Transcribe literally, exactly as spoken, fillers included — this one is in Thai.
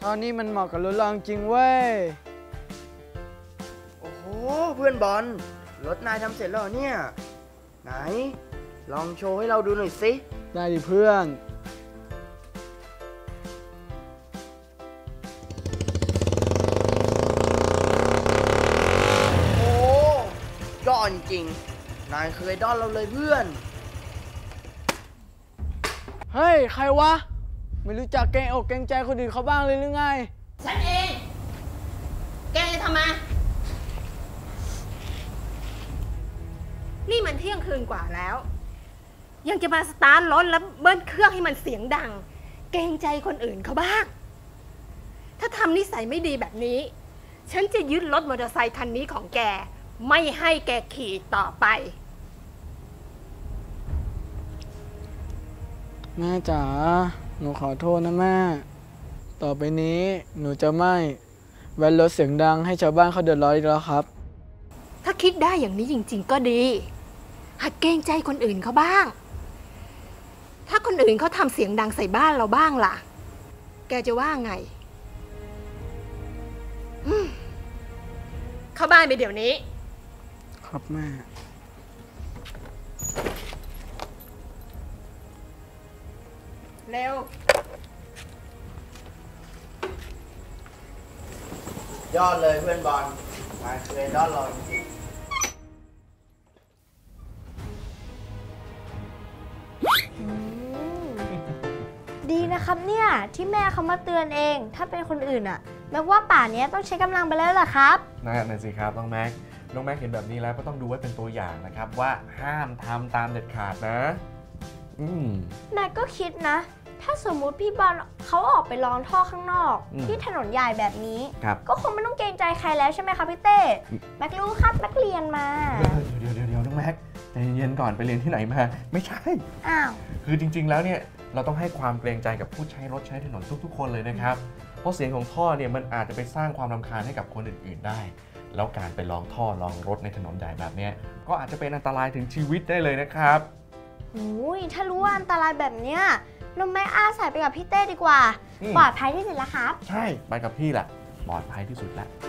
ท่อนี้มันเหมาะกับรถเราจริงเว้ยโอ้โหเพื่อนบอลรถนายทำเสร็จแล้วเนี่ยไหนลองโชว์ให้เราดูหน่อยสิได้ดิเพื่อนโอ้ยอดจริงนายเคยด้อนเราเลยเพื่อนเฮ้ยใครวะไม่รู้จักเกรงอกเกรงใจคนอื่นเขาบ้างเลยหรือไงฉันเองแกจะทำไมนี่มันเที่ยงคืนกว่าแล้วยังจะมาสตาร์ทรถแล้วเบิ้ลเครื่องให้มันเสียงดังเกรงใจคนอื่นเขาบ้างถ้าทำนิสัยไม่ดีแบบนี้ฉันจะยึดรถมอเตอร์ไซค์คันนี้ของแกไม่ให้แกขี่ต่อไปแม่จ๋าหนูขอโทษนะแม่ต่อไปนี้หนูจะไม่แว้นรถเสียงดังให้ชาวบ้านเขาเดือดร้อนอีกแล้วครับถ้าคิดได้อย่างนี้จริงๆก็ดีหัดเกรงใจคนอื่นเขาบ้างถ้าคนอื่นเขาทำเสียงดังใส่บ้านเราบ้างล่ะแกจะว่าไงเข้าบ้านไปเดี๋ยวนี้ครับแม่เร็วยอดเลยเพื่อนบอลนายเคยด้อนเราจริงดีนะครับเนี่ยที่แม่เขามาเตือนเองถ้าเป็นคนอื่นอะแม้ว่าป่านนี้ต้องใช้กำลังไปแล้วล่ะครับนั่นสิครับน้องแม็กน้องแม็กเห็นแบบนี้แล้วก็ต้องดูไว้เป็นตัวอย่างนะครับว่าห้ามทำตามเด็ดขาดนะอืมแม่ก็คิดนะถ้าสมมุติพี่บอลเขาออกไปลองท่อข้างนอกที่ถนนใหญ่แบบนี้ก็คงไม่ต้องเกรงใจใครแล้วใช่ไหมคะพี่เต้แม็กรู้ครับแม็กเรียนมาเดี๋ยวเดี๋ยวเดี๋ยวน้องแม็กใจเย็นก่อนไปเรียนที่ไหนมาไม่ใช่อ้าวคือจริงๆแล้วเนี่ยเราต้องให้ความเกรงใจกับผู้ใช้รถใช้ถนนทุกๆคนเลยนะครับเพราะเสียงของท่อเนี่ยมันอาจจะไปสร้างความรำคาญให้กับคนอื่นๆได้แล้วการไปลองท่อลองรถในถนนใหญ่แบบนี้ก็อาจจะเป็นอันตรายถึงชีวิตได้เลยนะครับโอ้ยถ้ารู้ว่าอันตรายแบบเนี้ยเราไม่อาศัยไปกับพี่เต้ดีกว่าปลอดภัยที่สุดแล้วครับใช่ไปกับพี่แหละปลอดภัยที่สุดแล้ว